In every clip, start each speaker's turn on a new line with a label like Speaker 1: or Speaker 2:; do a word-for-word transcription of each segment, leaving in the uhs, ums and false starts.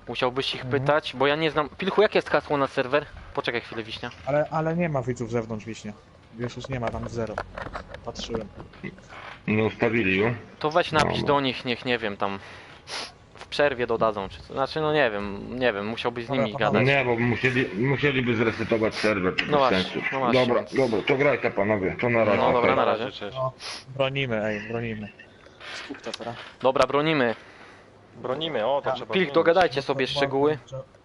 Speaker 1: Musiałbyś ich
Speaker 2: Mhm.
Speaker 1: pytać, bo ja nie znam... Pilchu, jakie jest hasło na serwer? Poczekaj chwilę, Wiśnia.
Speaker 2: Ale, ale nie ma widzów zewnątrz Wiśnia. Wiesz, już nie ma tam zero. Patrzyłem.
Speaker 3: No ustawili ją.
Speaker 1: To weź napisz
Speaker 3: No,
Speaker 1: do nich, niech nie wiem, tam... W przerwie dodadzą, czy co. Znaczy, no nie wiem, nie wiem, musiałbyś z
Speaker 2: Dobra,
Speaker 1: nimi
Speaker 2: panowie.
Speaker 1: gadać.
Speaker 3: Nie, bo musieli, musieliby zresetować serwer.
Speaker 1: No
Speaker 3: bez
Speaker 1: właśnie,
Speaker 3: sensu.
Speaker 1: no właśnie,
Speaker 3: Dobra,
Speaker 1: więc-
Speaker 3: dobra, to grajcie panowie, to na razie.
Speaker 1: No dobra,
Speaker 3: okej.
Speaker 1: na razie.
Speaker 4: Cześć.
Speaker 2: No, bronimy, ej, bronimy. Skup to teraz.
Speaker 1: Dobra, bronimy.
Speaker 4: Bronimy, o to trzeba
Speaker 1: Pilch,
Speaker 4: zmienić.
Speaker 1: dogadajcie sobie szczegóły.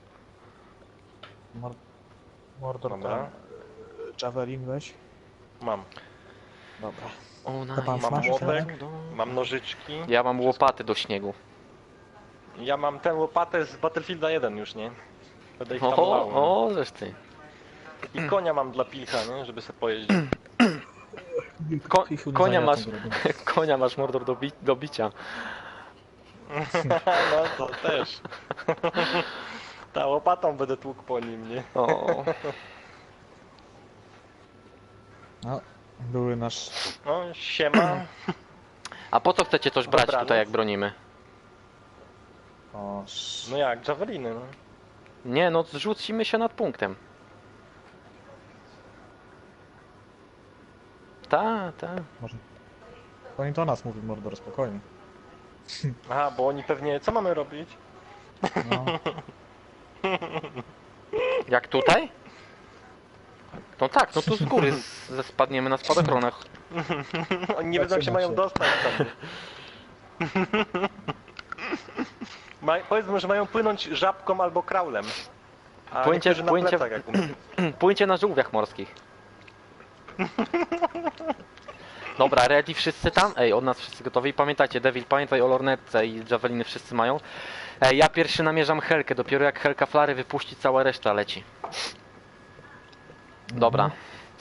Speaker 2: Mor- Mordor,
Speaker 4: Dobra.
Speaker 2: tam. Javelin weź.
Speaker 4: Mam.
Speaker 2: Dobra.
Speaker 1: O,
Speaker 2: To pan
Speaker 1: nice.
Speaker 4: Mam
Speaker 2: Masz
Speaker 4: łopek,
Speaker 2: środek?
Speaker 4: mam nożyczki.
Speaker 1: Ja mam łopaty do śniegu.
Speaker 4: Ja mam tę łopatę z Battlefielda jeden już, nie? Będę ich tam
Speaker 1: O,
Speaker 4: lał.
Speaker 1: o, żeż ty.
Speaker 4: I konia mam dla Pilcha, nie? Żeby sobie pojeździć.
Speaker 1: Ko
Speaker 2: Pichu, nie
Speaker 1: konia
Speaker 2: za
Speaker 1: masz,
Speaker 2: jaką robię.
Speaker 1: konia masz Mordor do, bi do bicia.
Speaker 4: No to też. Ta łopatą będę tłukł po nim, nie?
Speaker 1: O,
Speaker 2: No, były nasz...
Speaker 4: No, siema.
Speaker 1: a po co chcecie coś brać
Speaker 4: Dobranoc.
Speaker 1: tutaj, jak bronimy?
Speaker 2: O, sz...
Speaker 4: No jak, javeliny, no.
Speaker 1: Nie, no zrzucimy się nad punktem. Ta, ta.
Speaker 2: Może... Oni to o nas mówi, Mordor, spokojnie.
Speaker 4: Aha, bo oni pewnie... Co mamy robić?
Speaker 2: No,
Speaker 1: Jak tutaj? No tak, no tu z góry z, ze spadniemy na spadochronach.
Speaker 4: Oni nie wiedzą, jak się
Speaker 2: Zatrzymać
Speaker 4: mają
Speaker 2: się.
Speaker 4: dostać tam. Ma, powiedzmy, że mają płynąć żabką albo kraulem. A
Speaker 1: Płyńcie-
Speaker 4: niektórzy na
Speaker 1: płyńcie-
Speaker 4: plecach, jak umiem.
Speaker 1: Płyńcie na żółwiach morskich. Dobra, ready wszyscy tam? Ej, od nas wszyscy gotowi. Pamiętajcie, Devil, pamiętaj o lornetce i javeliny wszyscy mają. Ej, ja pierwszy namierzam Helkę, dopiero jak Helka flary wypuści, cała reszta leci. Dobra.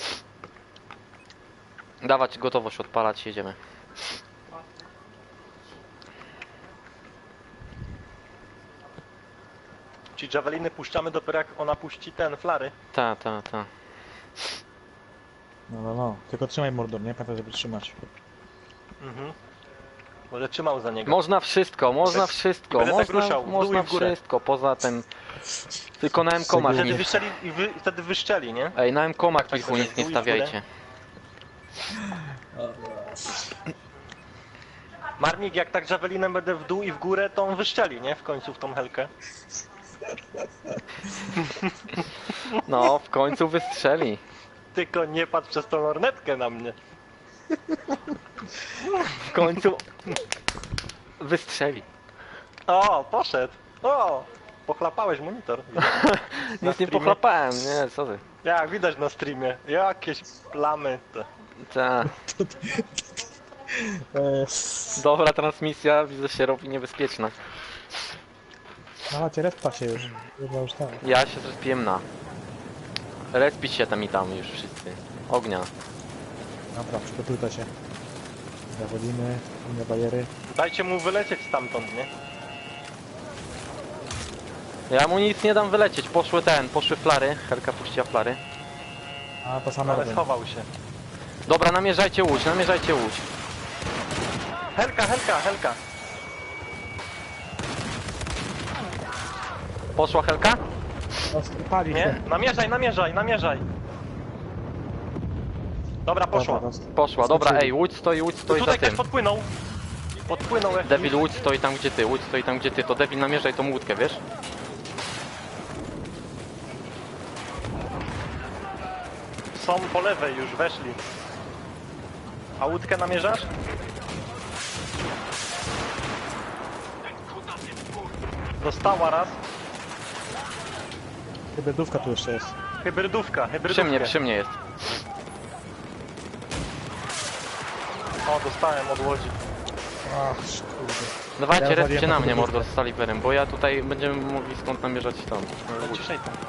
Speaker 1: Dawać gotowość, odpalać, jedziemy.
Speaker 4: Ci javeliny puszczamy dopiero jak ona puści ten, flary.
Speaker 1: Ta, ta, ta.
Speaker 2: no, no, no. Tylko trzymaj Mordor, nie? Pamiętaj, żeby trzymać.
Speaker 4: Mhm. Może trzymał za niego.
Speaker 1: Można wszystko, można
Speaker 4: Bez-
Speaker 1: wszystko,
Speaker 4: będę tak
Speaker 1: można,
Speaker 4: ruszał, w dół
Speaker 1: można
Speaker 4: i w górę.
Speaker 1: wszystko, poza tym... Tylko na M-komach
Speaker 4: Wtedy
Speaker 1: nie...
Speaker 4: wyszczeli, i wy, wtedy wyszczeli, nie?
Speaker 1: Ej, na M-komach
Speaker 4: Tak
Speaker 1: kilku
Speaker 4: sobie
Speaker 1: nic
Speaker 4: w
Speaker 1: nie
Speaker 4: dół i w górę.
Speaker 1: stawiajcie.
Speaker 4: Marnik, jak tak javelinem będę w dół i w górę, to on wyszczeli, nie? W końcu w tą helkę.
Speaker 1: No, w końcu wystrzeli.
Speaker 4: Tylko nie patrz przez tą lornetkę na mnie.
Speaker 1: W końcu wystrzeli.
Speaker 4: O, poszedł. O, pochlapałeś monitor.
Speaker 1: Nic nie
Speaker 4: streamie?
Speaker 1: pochlapałem, nie, co ty.
Speaker 4: Jak widać na streamie. Jakieś plamy. To.
Speaker 1: Ta.
Speaker 2: Eee,
Speaker 1: Dobra transmisja, widzę, się robi niebezpieczna.
Speaker 2: no macie, respa się już. Chyba już tak.
Speaker 1: Ja się zrespiłem na. Respić się tam i tam już wszyscy. Ognia.
Speaker 2: Dobra, przygotujcie się. Javeliny, inne bariery.
Speaker 4: Dajcie mu wylecieć stamtąd, nie?
Speaker 1: Ja mu nic nie dam wylecieć, poszły ten, poszły flary. Helka puściła flary.
Speaker 2: A, to samo
Speaker 4: Ale
Speaker 2: robię.
Speaker 4: schował się.
Speaker 1: Dobra, namierzajcie łódź, namierzajcie łódź.
Speaker 4: Helka, helka, helka.
Speaker 1: Poszła Helka?
Speaker 2: No, pali
Speaker 4: Nie?
Speaker 2: się.
Speaker 4: Namierzaj, namierzaj, namierzaj. Dobra, poszła.
Speaker 2: Dobra, roz-
Speaker 1: Poszła, dobra,
Speaker 2: skoczyli.
Speaker 1: ej, łódź stoi, łódź stoi za
Speaker 4: Tutaj ktoś
Speaker 1: tym.
Speaker 4: podpłynął. Podpłynął jak...
Speaker 1: Devil, łódź stoi tam gdzie ty, łódź stoi tam gdzie ty, to Devil namierzaj tą łódkę, wiesz?
Speaker 4: Są po lewej, już weszli. A łódkę namierzasz? Dostała raz.
Speaker 2: Hybrydówka tu jeszcze jest.
Speaker 4: Hybrydówka,
Speaker 1: Przy
Speaker 4: hybrydówka.
Speaker 1: mnie, przy mnie jest.
Speaker 4: O, dostałem od łodzi.
Speaker 2: Ach, kurde.
Speaker 1: Dawajcie,
Speaker 2: Ja
Speaker 1: respcie
Speaker 2: waliłem
Speaker 1: na
Speaker 2: na
Speaker 1: mnie,
Speaker 2: podwórkę.
Speaker 1: mordo, z Saliverem, bo ja tutaj będziemy mogli skąd namierzać tam.
Speaker 4: Ciszej tam.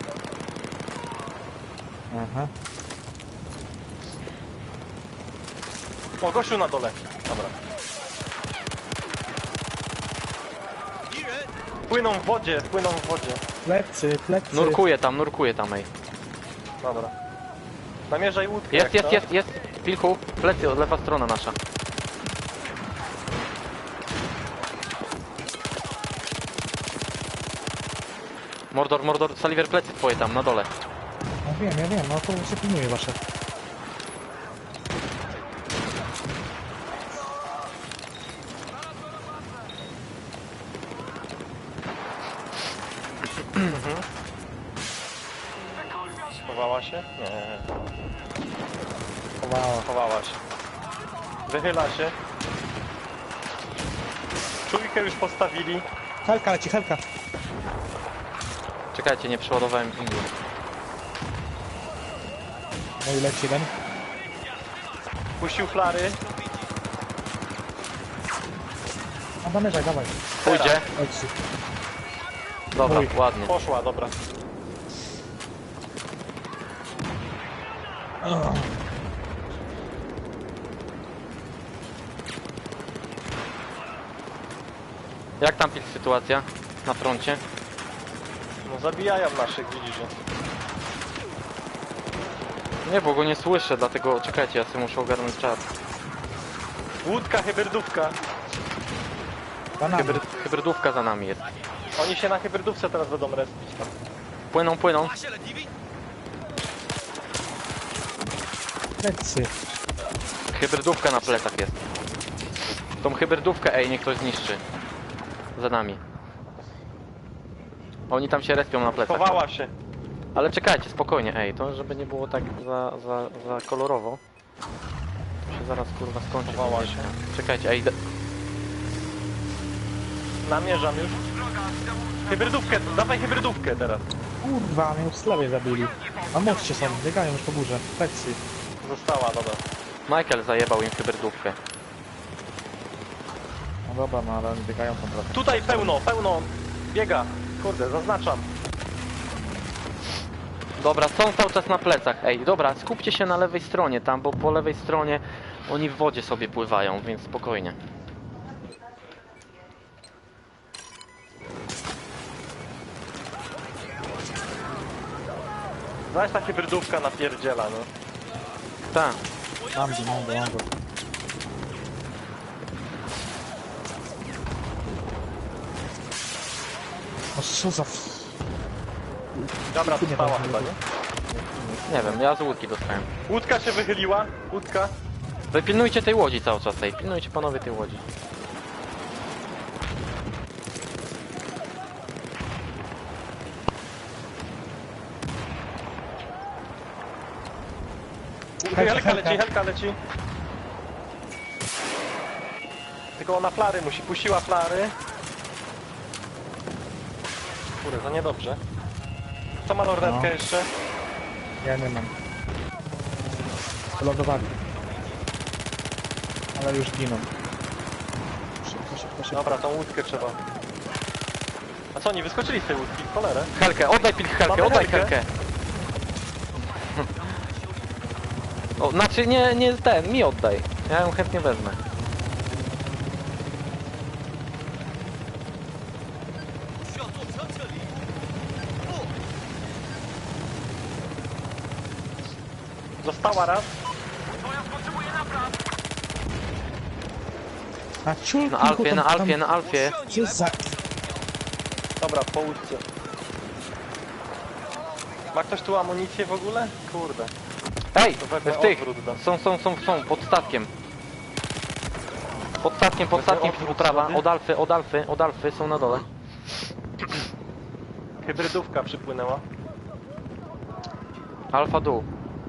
Speaker 2: Aha.
Speaker 4: O, gościu na dole. Dobra. Płyną w wodzie, płyną w wodzie.
Speaker 2: Plecy, plecy.
Speaker 1: Nurkuję tam, nurkuję tam, ej.
Speaker 4: Dobra. Namierzaj łódkę.
Speaker 1: Jest,
Speaker 4: jak
Speaker 1: jest,
Speaker 4: to.
Speaker 1: jest, jest. Pilchu, plecy, od lewa strona nasza. Mordor, Mordor, Saliver plecy twoje tam, na dole.
Speaker 2: No wiem, ja wiem, no to się pilnuje wasze.
Speaker 4: Chowała się? Nie.
Speaker 2: Chowała.
Speaker 4: Chowała się. Wychyla się. Czujkę już postawili.
Speaker 2: Helka leci, helka.
Speaker 1: Czekajcie, nie przeładowałem pingu.
Speaker 2: No i leci jeden.
Speaker 4: Puścił flary.
Speaker 2: A zamierzaj, dawaj.
Speaker 1: Pójdzie.
Speaker 2: Leci.
Speaker 1: Dobra,
Speaker 2: Oj.
Speaker 1: ładnie.
Speaker 4: Poszła, dobra.
Speaker 2: Ugh.
Speaker 1: Jak tam pil sytuacja na froncie?
Speaker 4: No zabijają naszych, widzisz. że-
Speaker 1: Nie, bo go nie słyszę, dlatego czekajcie, ja sobie muszę ogarnąć czat.
Speaker 4: Łódka, hybrydówka.
Speaker 2: Za nami.
Speaker 1: Hybryd, hybrydówka za nami jest.
Speaker 4: Oni się na hybrydówce teraz będą respić.
Speaker 1: Płyną, płyną.
Speaker 2: Lecy.
Speaker 1: Hybrydówka na plecach jest. Tą hybrydówkę, ej, niech ktoś zniszczy. Za nami. Oni tam się respią na plecach.
Speaker 4: Chowała się.
Speaker 1: Ale czekajcie, spokojnie, ej, to żeby nie było tak za, za, za kolorowo. To się zaraz kurwa skończy.
Speaker 4: Chowała się.
Speaker 1: Czekajcie, ej, d-
Speaker 4: Namierzam już. Hybrydówkę, dawaj hybrydówkę teraz.
Speaker 2: Kurwa, mnie w slawie zabili. Na moście są, biegają już po górze. Lecy.
Speaker 4: Została, dobra.
Speaker 1: Michael zajebał im hybrydówkę.
Speaker 2: No dobra, no ale oni biegają tam trochę.
Speaker 4: Tutaj pełno, pełno. Biega. Kurde, zaznaczam.
Speaker 1: Dobra, są cały czas na plecach, ej, dobra, skupcie się na lewej stronie tam, bo po lewej stronie oni w wodzie sobie pływają, więc spokojnie.
Speaker 4: Zaś ta hybrydówka napierdziela, no.
Speaker 1: Tak.
Speaker 2: Mam go, mam go, mam go. O co za... f-
Speaker 4: Dobra,
Speaker 2: Nie
Speaker 4: została
Speaker 2: wiem,
Speaker 4: chyba,
Speaker 2: nie
Speaker 4: nie?
Speaker 1: Nie wiem, ja z łódki dostałem.
Speaker 4: Łódka się wychyliła. Łódka.
Speaker 1: Wy pilnujcie tej łodzi cały czas, ej, pilnujcie panowie tej łodzi.
Speaker 2: Helka,
Speaker 4: Helka
Speaker 2: helka.
Speaker 4: leci, helka leci. Tylko ona flary musi. Puściła flary. Kurde, to niedobrze. Kto ma lornetkę
Speaker 2: No.
Speaker 4: jeszcze?
Speaker 2: Ja nie mam. Wylądowali. Ale już giną. Szybko, szybko, szybko.
Speaker 4: Dobra, tą łódkę trzeba. A co, oni wyskoczyli z tej łódki? W cholerę.
Speaker 1: Helkę, oddaj pil Helkę,
Speaker 4: Mamy
Speaker 1: oddaj
Speaker 4: Helkę.
Speaker 1: Helkę. O, znaczy nie, nie ten, mi oddaj. Ja ją chętnie wezmę.
Speaker 4: Została raz.
Speaker 2: Na ciulku,
Speaker 1: Na Alfie, na Alfie, na Alfie.
Speaker 2: Co za...
Speaker 4: Dobra, po łódce. Ma ktoś tu amunicję w ogóle? Kurde.
Speaker 1: Ej,
Speaker 4: To wezmę
Speaker 1: w tych,
Speaker 4: odwrót dam.
Speaker 1: są, są, są, są, pod statkiem. Pod statkiem, pod
Speaker 4: Wezmę
Speaker 1: statkiem,
Speaker 4: odwrót
Speaker 1: prawa,
Speaker 4: sobie.
Speaker 1: od Alfy, od Alfy, od Alfy, są na dole.
Speaker 4: Hybrydówka przypłynęła.
Speaker 1: Alfa dół.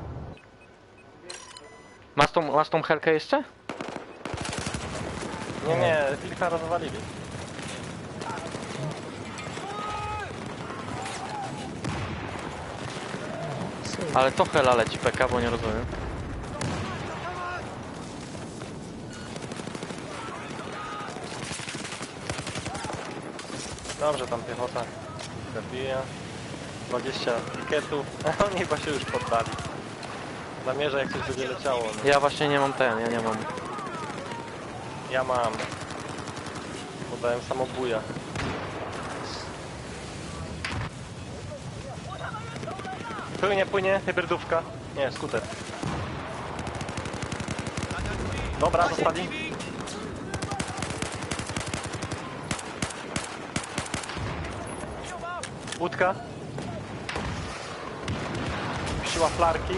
Speaker 1: Masz tą, masz tą Helkę jeszcze?
Speaker 4: Nie, nie, kilka rozwalili.
Speaker 1: Ale to Hela leci P K, bo nie rozumiem.
Speaker 4: Dobrze, tam piechota zabija. dwadzieścia piketów. Oni chyba się już poddali. Zamierza, jak coś będzie leciało. No.
Speaker 1: Ja właśnie nie mam ten, ja nie mam.
Speaker 4: Ja mam. Podałem samobuja. Płynie, płynie, hybrydówka. Nie, skuter. Dobra, zostali. Łódka. Puściła flarki.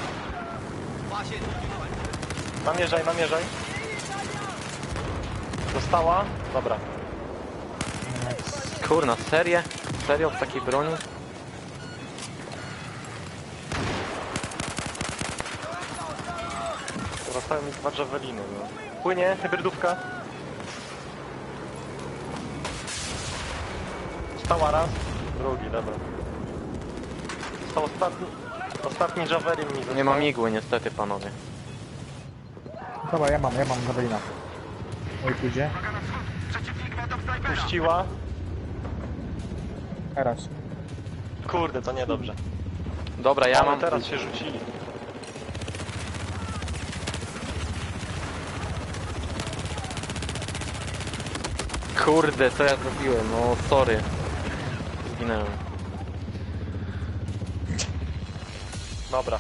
Speaker 4: Namierzaj, namierzaj. Dostała. Dobra.
Speaker 1: Kurna, serię? Serio w takiej broni?
Speaker 4: Zostały mi dwa javeliny. No. Płynie, hybrydówka. Stała raz. Drugi, dobra. Został ostatni. Ostatni javelin mi został.
Speaker 1: Nie mam igły niestety, panowie.
Speaker 2: Dobra, ja mam, ja mam Zawelina. Oj, pójdzie.
Speaker 4: Puściła.
Speaker 2: Teraz.
Speaker 4: Kurde, to niedobrze.
Speaker 1: Dobra, ja
Speaker 4: Ale
Speaker 1: mam...
Speaker 4: teraz się rzucili.
Speaker 1: Kurde, co ja zrobiłem? No, sorry. Zginęłem.
Speaker 4: Dobra.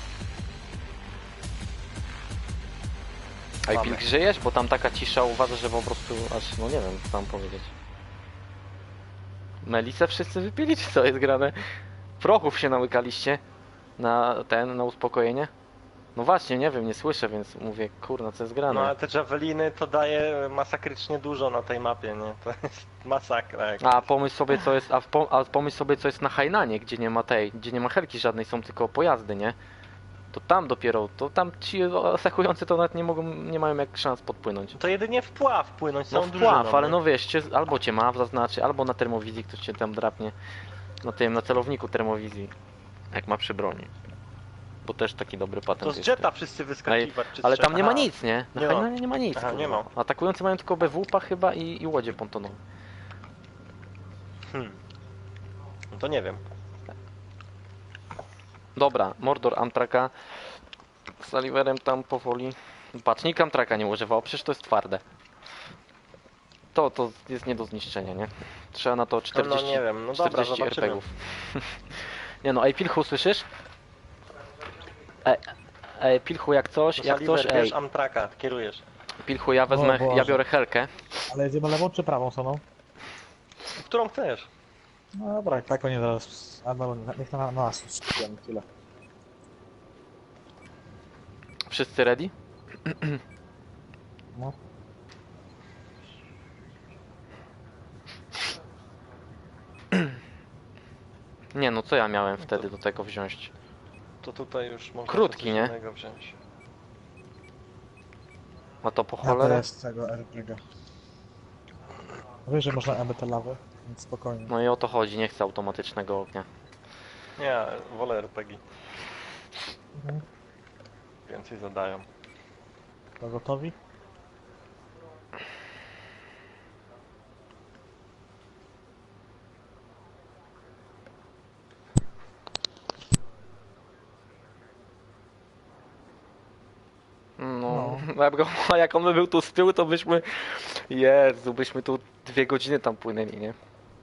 Speaker 1: A i
Speaker 4: Mamy.
Speaker 1: Pilk, żyjesz? Bo tam taka cisza, uważa, że po prostu aż, no nie wiem, co tam powiedzieć. Melisę wszyscy wypili, czy co jest grane? Prochów się nałykaliście na ten, na uspokojenie? No właśnie, nie wiem, nie słyszę, więc mówię, kurna, co jest grane?
Speaker 4: No ale te javeliny to daje masakrycznie dużo na tej mapie, nie? To jest masakra. Jak...
Speaker 1: A pomyśl sobie, co jest, a, w pom a pomyśl sobie, co jest na Hainanie, gdzie nie ma tej, gdzie nie ma helki żadnej, są tylko pojazdy, nie? To tam dopiero, to tam ci atakujący to nawet nie mogą, nie mają jak szans podpłynąć.
Speaker 4: To jedynie wpław płynąć,
Speaker 1: No
Speaker 4: są
Speaker 1: wpław, ale no wiesz, cię, albo cię ma zaznaczy, albo na termowizji ktoś cię tam drapnie. Na tym, na celowniku termowizji. Jak ma przy broni. Bo też taki dobry patent
Speaker 4: To z
Speaker 1: jest.
Speaker 4: jetta wszyscy wyskakiwać, czy z
Speaker 1: Ale tam
Speaker 4: trzech.
Speaker 1: nie ma
Speaker 4: Aha.
Speaker 1: nic, nie? Na
Speaker 4: Nie ma.
Speaker 1: Hainanie nie ma nic.
Speaker 4: Aha,
Speaker 1: kurwa.
Speaker 4: nie ma.
Speaker 1: Atakujący mają tylko B W P chyba i, i łodzie pontonowe.
Speaker 4: Hmm. No to nie wiem.
Speaker 1: Dobra, Mordor Amtraka. Z Oliverem tam powoli. Patrz, nikt Amtraka nie używał, przecież to jest twarde. To, to jest nie do zniszczenia, nie? Trzeba na to czterdzieści,
Speaker 4: No, no nie wiem, no dobra,
Speaker 1: czterdzieści
Speaker 4: zobaczymy.
Speaker 1: er pe gów. Nie no, ej Pilchu, słyszysz? Ej, ej Pilchu, jak coś,
Speaker 4: To
Speaker 1: jak
Speaker 4: Saliver,
Speaker 1: coś, ej
Speaker 4: bierz Amtraka, kierujesz.
Speaker 1: Pilchu, ja wezmę,
Speaker 2: O Boże.
Speaker 1: ja biorę helkę.
Speaker 2: Ale jedziemy lewą czy prawą stroną?
Speaker 4: Którą chcesz?
Speaker 2: No dobra, tak oni zaraz... Albo niech na, na nas skupiamy chwilę.
Speaker 1: Wszyscy ready?
Speaker 2: No.
Speaker 1: Nie no, co ja miałem wtedy do tego wziąć?
Speaker 4: To tutaj już mogę
Speaker 1: Krótki,
Speaker 4: coś
Speaker 1: nie?
Speaker 4: innego wziąć.
Speaker 1: A to po
Speaker 2: Ja
Speaker 1: cholerę?
Speaker 2: teraz tego er pe gie. Wiesz, że można aby te lawy, więc spokojnie.
Speaker 1: No i o to chodzi, nie chcę automatycznego ognia.
Speaker 4: Nie, wolę er pe gie.
Speaker 2: Mhm.
Speaker 4: Więcej zadają.
Speaker 2: To gotowi?
Speaker 1: No, no. Jak on by był tu z tyłu, to byśmy... Jezu, byśmy tu dwie godziny tam płynęli, nie?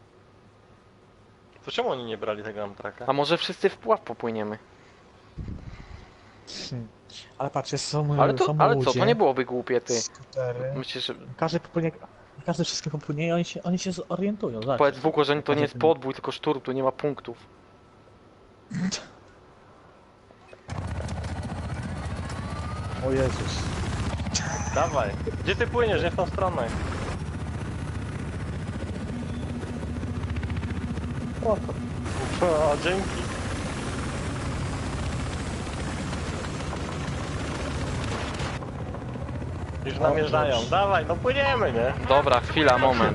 Speaker 4: To czemu oni nie brali tego Amtraka?
Speaker 1: A może wszyscy w pław popłyniemy?
Speaker 2: Hmm. Ale patrz, jest- są,
Speaker 1: Ale, to,
Speaker 2: są
Speaker 1: ale co,
Speaker 2: ludzie,
Speaker 1: to nie byłoby głupie, ty.
Speaker 2: skutery.
Speaker 1: Myślisz, że...
Speaker 2: Każdy popłynie, każdy wszystkim popłynie i oni się, oni się zorientują, zobacz.
Speaker 1: Powiedz Wuko, że to nie jest podbój, tylko szturm, tu nie ma punktów.
Speaker 2: O Jezus.
Speaker 4: Dawaj. Gdzie ty płyniesz? Nie w tą stronę.
Speaker 2: O, to
Speaker 4: O, dzięki. Już namierzają. Dawaj, no płyniemy, nie?
Speaker 1: Dobra, chwila, moment.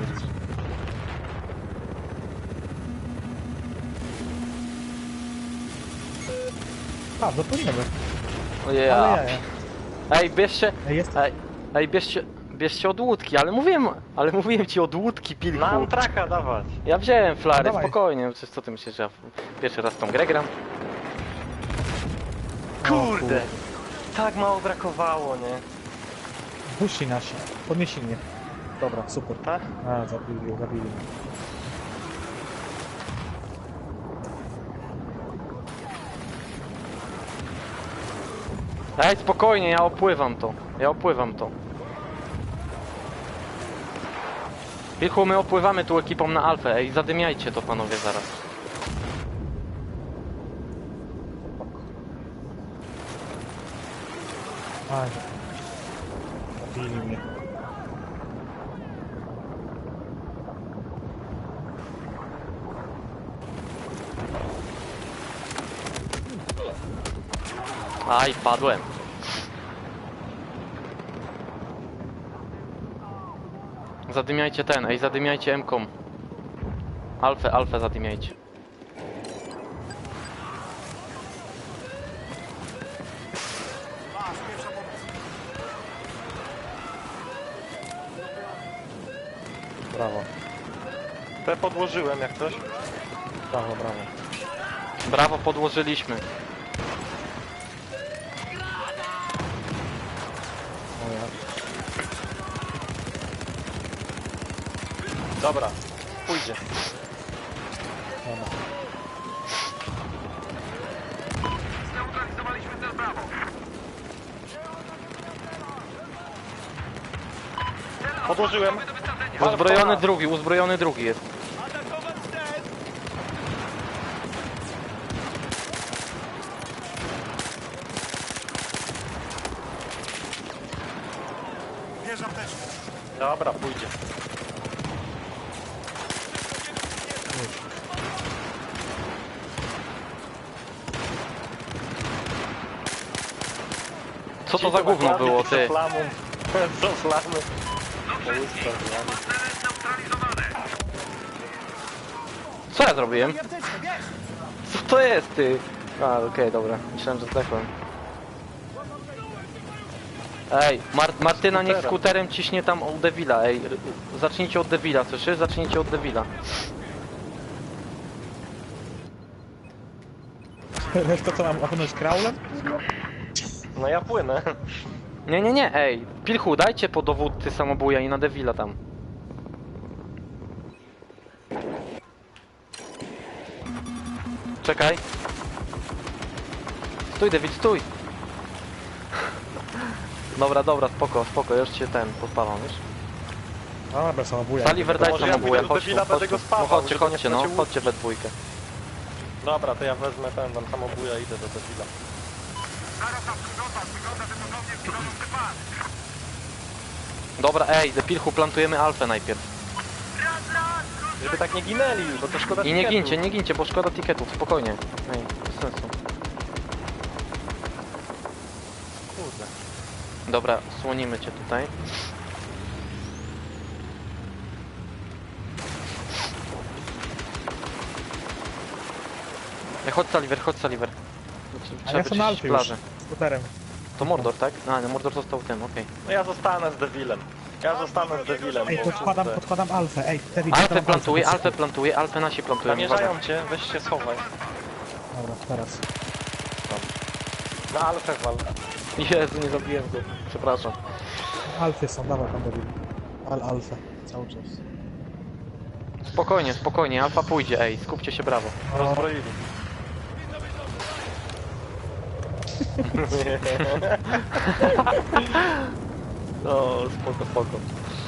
Speaker 2: A, dopłyniemy. Ale
Speaker 1: Ja.
Speaker 2: ja, ja.
Speaker 1: Ej, bierzcie...
Speaker 2: Ej, jest...
Speaker 1: Ej, ej bierzcie... Bierzcie od łódki, ale mówiłem... Ale mówiłem ci od łódki, Pilku.
Speaker 4: Na Amtraka dawać.
Speaker 1: Ja wziąłem flary,
Speaker 2: Dawaj.
Speaker 1: spokojnie. Co, co ty myślisz, że ja pierwszy raz tą grę gram?
Speaker 4: Kurde. Tak mało brakowało, nie?
Speaker 2: Wyszli nasi. Podnieśli mnie. Dobra, super.
Speaker 4: Tak?
Speaker 2: A, zabili, zabili mnie.
Speaker 1: Ej, spokojnie, ja opływam to. Ja opływam to. Pilchu, my opływamy tu ekipą na Alfę. Ej, zadymiajcie to, panowie, zaraz.
Speaker 2: Aj. Zabili mnie.
Speaker 1: Aj, padłem. Zadymiajcie ten, ej, zadymiajcie M-kom. Alfę, alfę zadymiajcie.
Speaker 2: Brawo,
Speaker 4: Te podłożyłem jak coś.
Speaker 2: brawo, brawo.
Speaker 1: Brawo, podłożyliśmy.
Speaker 2: O ja.
Speaker 4: Dobra, pójdzie.
Speaker 2: Dobra.
Speaker 4: Podłożyłem.
Speaker 1: Uzbrojony drugi, uzbrojony drugi jest.
Speaker 4: Dobra, pójdzie.
Speaker 1: Co to za gówno było, ty?
Speaker 4: Co flamy?
Speaker 1: Co ja zrobiłem? Co to jest, ty? A, okej, dobra. Myślałem, że zdechłem. Ej, Mar Martyna niech skuterem ciśnie tam od Devila, ej. r- Zacznijcie od Devila, słyszysz? Zacznijcie od Devila.
Speaker 2: Wiesz to co mam opłynąć kraulem?
Speaker 4: No ja płynę.
Speaker 1: Nie, nie, nie, ej. Pilchu, dajcie po dowódcy samobuja i na Devila tam. Czekaj. Stój, Devil, stój. Dobra, dobra, spoko, spoko, już się ten, podpawam, wiesz?
Speaker 2: Dobra, samobuja.
Speaker 1: Saliver, daj
Speaker 4: może ja
Speaker 1: samobuja,
Speaker 4: tego
Speaker 1: chodź tu,
Speaker 4: Devila
Speaker 1: chodź
Speaker 4: będę
Speaker 1: tu.
Speaker 4: go spawał,
Speaker 1: No chodźcie,
Speaker 4: żeby nie
Speaker 1: chodźcie, no,
Speaker 4: stracił
Speaker 1: chodźcie we dwójkę.
Speaker 4: Dobra, to ja wezmę ten, tam samobuja, idę do Devila.
Speaker 1: Dobra, ej, do Pilchu plantujemy alfę najpierw.
Speaker 4: Żeby tak nie ginęli, bo to szkoda
Speaker 1: I nie
Speaker 4: tiketów.
Speaker 1: gincie, nie gincie, bo szkoda tiketów, spokojnie. Ej, bez sensu.
Speaker 4: Kurde.
Speaker 1: Dobra, słonimy cię tutaj. Ej, chodź Saliver, chodź Saliver.
Speaker 2: A
Speaker 1: Trzeba
Speaker 2: ja jestem na
Speaker 1: wyczyścić
Speaker 2: Alfie już.
Speaker 1: plażę.
Speaker 2: Skuterem.
Speaker 1: To Mordor, tak? A, no Mordor został tym, okej.
Speaker 4: No ja zostanę z Devilem. Ja zostanę z Devilem,
Speaker 2: Ej,
Speaker 4: bo
Speaker 2: podkładam,
Speaker 4: kurde,
Speaker 2: podkładam Alfę. Ej, Teddy,
Speaker 1: Alfę
Speaker 2: podkładam
Speaker 1: plantuje,
Speaker 2: Alfę.
Speaker 1: Alfę plantuje, Alfę nasi plantują.
Speaker 4: namierzają cię, weź się schowaj.
Speaker 2: Dobra, teraz.
Speaker 4: Na Alfę wal.
Speaker 1: Jezu, nie zabiłem go. Przepraszam.
Speaker 2: Alfy są, dawaj pan David. Al Alfę, cały czas.
Speaker 1: Spokojnie, spokojnie, Alfa pójdzie, ej, skupcie się, brawo.
Speaker 4: Rozbroili.
Speaker 1: O, spoko, spoko.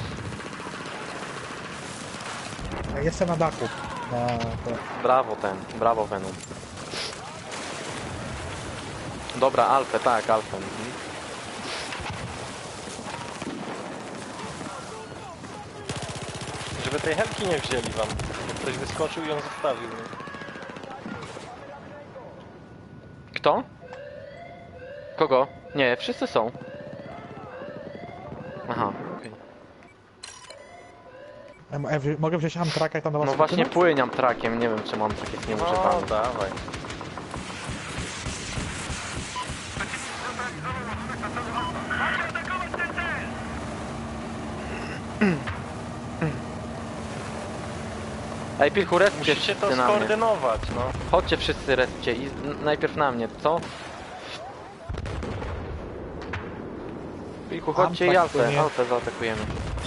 Speaker 2: Ej, jestem na dachu. Na to.
Speaker 1: Brawo ten, brawo Venom. Dobra, Alfę, tak, Alfę. Mhm.
Speaker 4: Żeby tej helki nie wzięli wam. Ktoś wyskoczył i ją zostawił. Nie?
Speaker 1: Kto? Kogo? Nie, wszyscy są. Aha, okej.
Speaker 2: Ej, ej, wzi- mogę wziąć Amtraka i tam do was
Speaker 1: No właśnie
Speaker 2: wpłynąć?
Speaker 1: płyniam trakiem, nie wiem czy mam tak jest
Speaker 4: No
Speaker 1: nieużywany.
Speaker 4: dawaj.
Speaker 1: Ej, Pilchu, respcie
Speaker 4: Musicie to
Speaker 1: wszyscy na mnie.
Speaker 4: skoordynować, no.
Speaker 1: Chodźcie wszyscy respcie i n- najpierw na mnie, co? Pilchu, chodźcie i
Speaker 2: Amtrak
Speaker 1: Alfę,
Speaker 2: płynie.
Speaker 1: Alfę zaatakujemy.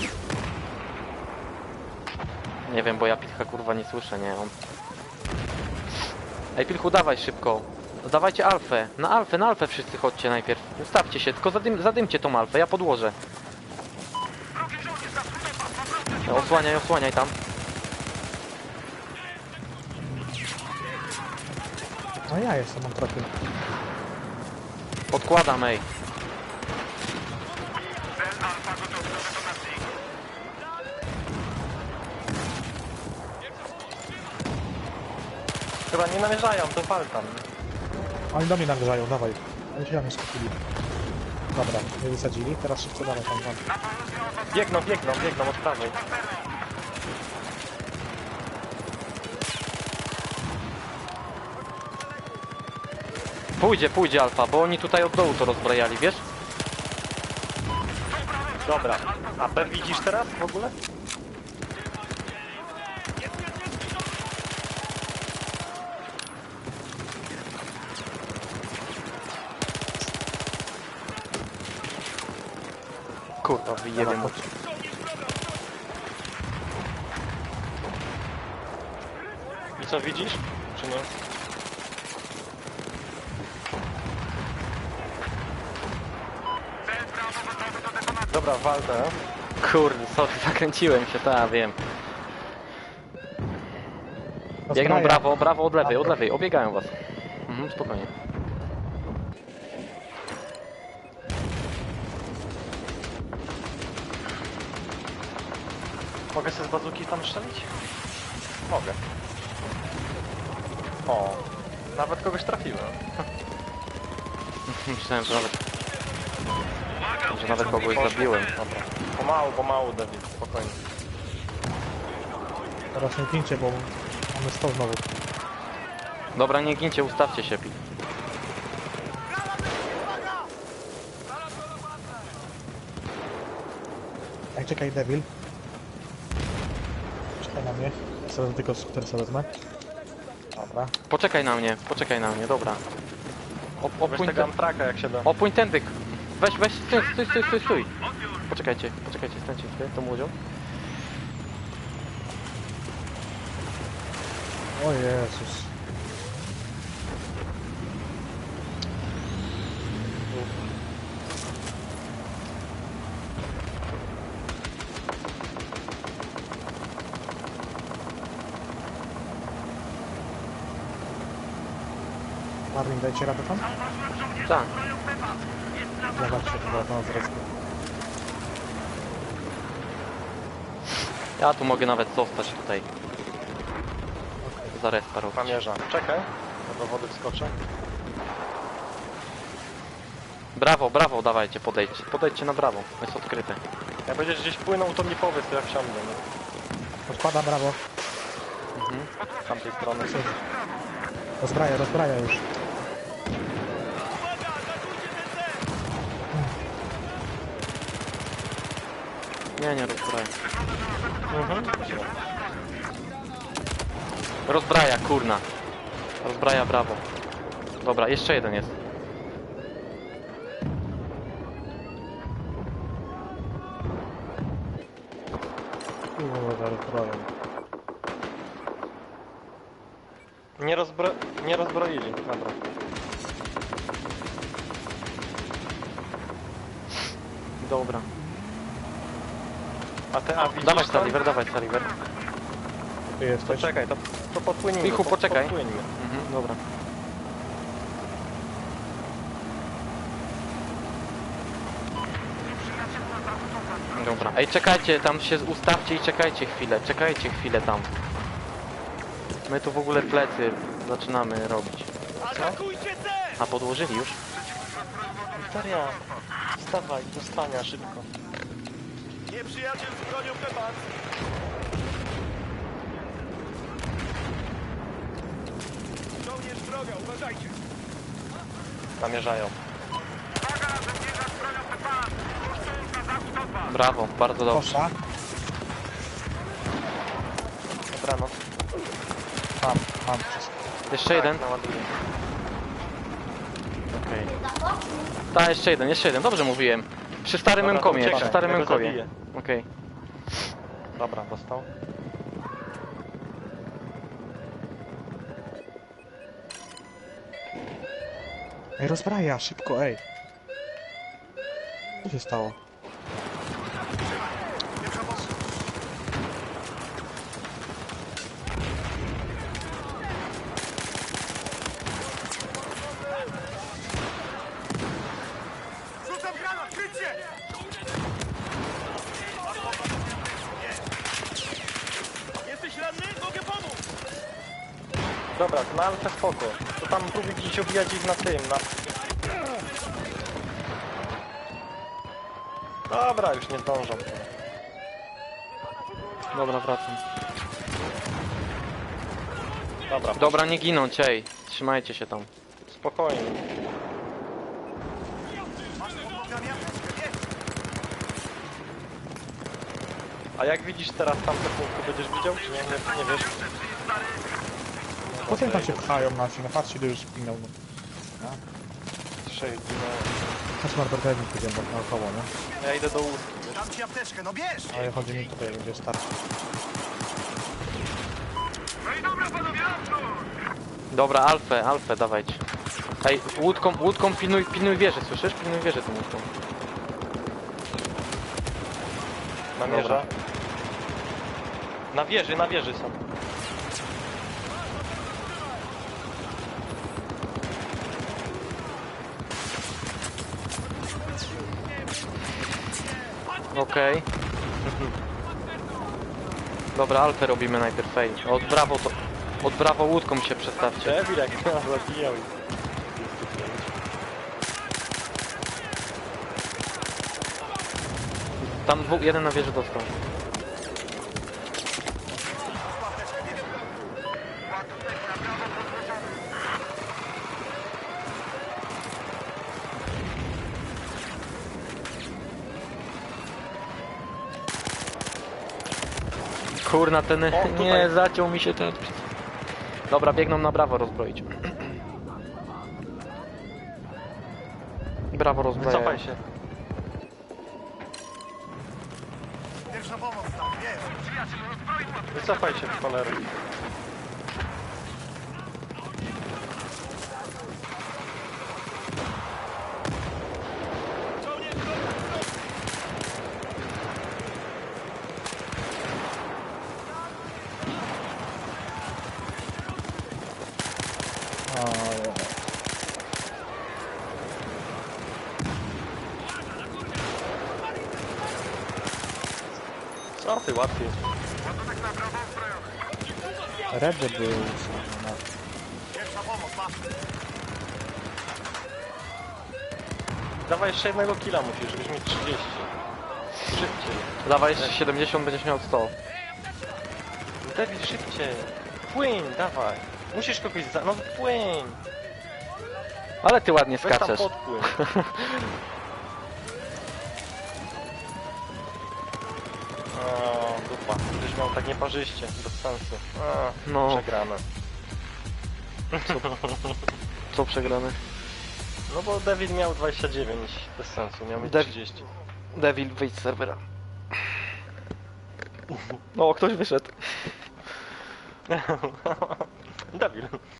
Speaker 1: Nie wiem, bo ja Pilcha kurwa nie słyszę, nie? On... Ej, Pilchu, dawaj szybko. Dawajcie Alfę. Na Alfę, na Alfę wszyscy chodźcie najpierw. Ustawcie się, tylko zadym, zadymcie tą Alfę, ja podłożę. Osłaniaj, osłaniaj tam.
Speaker 2: No ja jestem Amtrakiem.
Speaker 1: Podkładam, ej.
Speaker 4: Chyba nie namierzają, to pal tam.
Speaker 2: Oni do mnie namierzają, dawaj. Oni się na mnie skupili. Dobra, nie wysadzili, teraz szybko dawaj tam, tam.
Speaker 4: Biegną, biegną, biegną od prawej.
Speaker 1: Pójdzie, pójdzie Alfa, bo oni tutaj od dołu to rozbrajali, wiesz?
Speaker 4: Dobra. A B widzisz teraz w ogóle?
Speaker 1: Kurwa, wyjebie mu.
Speaker 4: I co, widzisz? Czy nie? Dobra, walczę.
Speaker 1: Kurde, sorry, zakręciłem się, tak, wiem. Biegną
Speaker 2: Rozbraja.
Speaker 1: brawo, brawo od lewej, od lewej, obiegają was. Mhm, spokojnie.
Speaker 4: Mogę sobie z bazuki tam strzelić? Mogę. O, nawet kogoś trafiłem.
Speaker 1: Myślałem, że nawet... że nawet kogoś zabiłem.
Speaker 4: Dobra. Pomału, pomału, David, spokojnie.
Speaker 2: Teraz nie gincie, bo mamy sto znowu.
Speaker 1: Dobra, nie gincie, ustawcie się, pi.
Speaker 2: Ej, czekaj, Devil. Czekaj na mnie. Ja sobie tylko skuter sobie wezmę. Dobra.
Speaker 1: Poczekaj na mnie, poczekaj na mnie, dobra. O,
Speaker 4: Weź
Speaker 1: opój,
Speaker 4: tego
Speaker 1: ten,
Speaker 4: Amtraka jak się da.
Speaker 1: opój tędy. Weź, weź, stój, stój, stój, stój, stój. Poczekajcie, poczekajcie, stańcie chwilę, tą łodzią.
Speaker 2: O Jezus. Marvin, dajcie radę tam?
Speaker 1: Tak.
Speaker 2: Zobaczcie, chyba na nas respi.
Speaker 1: Ja tu mogę nawet zostać tutaj. Za respa robić.
Speaker 4: Namierza. Czekaj, bo do wody wskoczę.
Speaker 1: Brawo, brawo, dawajcie, podejdźcie. Podejdźcie na brawo, jest odkryte.
Speaker 4: Jak będziesz gdzieś płynął, to mi powiedz, to ja wsiądę, nie?
Speaker 2: Odpada, brawo.
Speaker 1: Mhm.
Speaker 4: Z tamtej strony.
Speaker 2: Rozbraja, rozbraja już.
Speaker 1: Nie, nie rozbraja.
Speaker 4: Mhm.
Speaker 1: Rozbraja, kurna. Rozbraja, brawo. Dobra, jeszcze jeden jest.
Speaker 2: Kurwa, rozbraja.
Speaker 4: Nie, rozbro... nie rozbroili, dobra.
Speaker 1: Dobra.
Speaker 4: A te A widzisz
Speaker 1: Dawaj
Speaker 4: tam?
Speaker 1: Saliver, dawaj Saliver.
Speaker 2: Tu
Speaker 4: To
Speaker 2: jesteś.
Speaker 4: czekaj, to, to podpłynijmy.
Speaker 1: Michu,
Speaker 4: pod-
Speaker 1: poczekaj.
Speaker 4: Podpłyńmy.
Speaker 1: Mhm, dobra. Dobra. Ej, czekajcie, tam się ustawcie i czekajcie chwilę, czekajcie chwilę tam. My tu w ogóle plecy zaczynamy robić. A podłożyli już?
Speaker 4: Wiktoria, wstawaj, do spania szybko.
Speaker 5: Nieprzyjaciel z bronią Pepas! Żołnierz droga, uważajcie!
Speaker 4: Namierzają.
Speaker 1: Brawo, bardzo dobrze.
Speaker 2: Kosza.
Speaker 4: Dobranoc.
Speaker 2: Mam, mam wszystko.
Speaker 1: Jeszcze jeden?
Speaker 4: Tak, naładuję.
Speaker 1: Okej. Tak, jeszcze jeden, jeszcze jeden, dobrze mówiłem. Przy starym
Speaker 4: Dobra, to
Speaker 1: Memkomie,
Speaker 4: uciekaj,
Speaker 1: przy starym
Speaker 4: ja go
Speaker 1: Memkomie.
Speaker 4: zabiję.
Speaker 1: Okej.
Speaker 4: Dobra, dostał.
Speaker 2: Ej, rozbraja, szybko, ej. Co się stało?
Speaker 5: Rzucam granat, kryć się! Jesteś ranny? Mogę pomóc!
Speaker 4: Dobra, na alfę spoko. To tam próbuj gdzieś obijać ich na tym, na... Dobra, już nie zdążą.
Speaker 1: Dobra, wracam.
Speaker 4: Dobra,
Speaker 1: Dobra, nie ginąć, ej. Trzymajcie się tam.
Speaker 4: spokojnie.
Speaker 5: Masz w programie apteczkę, nie?
Speaker 4: A jak widzisz teraz tamte punkty, będziesz widział, czy nie? Nie, nie wiesz?
Speaker 2: Po co oni tam się pchają nasi? No patrzcie, ile już spinął. No.
Speaker 4: Trzech ginęło.
Speaker 2: Chodź Norbert, daj mi pójdziemy tak naokoło, nie?
Speaker 4: Ja idę do łódki, wiesz?
Speaker 5: Dam ci apteczkę, no bierz!
Speaker 2: Ale chodzi mi tutaj, gdzie starczy.
Speaker 1: Dobra, Alfę, Alfę, dawajcie. Ej, łódką, łódką pilnuj, pilnuj wieży, słyszysz? Pilnuj wieży tą łódką.
Speaker 4: Namierza. Na wieży, na wieży są.
Speaker 1: Okej. Dobra, Alfę robimy najpierw, ej. Od brawo to... Od brawo łódką się przestawcie.
Speaker 4: Debil jak nas zabijał.
Speaker 1: Tam dwóch, jeden na wieży dostał. Kurna, ten...
Speaker 4: O, tutaj.
Speaker 1: Nie, zaciął mi się ten... Dobra, biegną na brawo rozbroić. Brawo rozbroję.
Speaker 4: Wycofaj się.
Speaker 5: Pierwsza pomoc, tak, bierz!
Speaker 4: Wycofaj się w cholerę.
Speaker 2: O,
Speaker 4: Co ty, łatwiej.
Speaker 2: Redy były no.
Speaker 5: Pierwsza pomoc, masz!
Speaker 4: Dawaj jeszcze jednego killa musisz, żebyś mieć trzydzieści. Szybciej.
Speaker 1: Dawaj, jeszcze siedemdziesiąt, będziesz miał sto.
Speaker 4: David, szybciej. Płyń, dawaj. Musisz kogoś za... No płyń.
Speaker 1: Ale ty ładnie
Speaker 4: Weź tam
Speaker 1: skaczesz.
Speaker 4: podpłyń. O, dupa. Gdzieś miał tak nieparzyście, bez sensu. A,
Speaker 1: No.
Speaker 4: przegrane.
Speaker 1: Co przegrane?
Speaker 4: No bo David miał dwadzieścia dziewięć, bez sensu, miał mieć
Speaker 1: Dav-
Speaker 4: trzydzieści.
Speaker 1: Devil, wyjdź z serwera. No, ktoś wyszedł.
Speaker 4: David.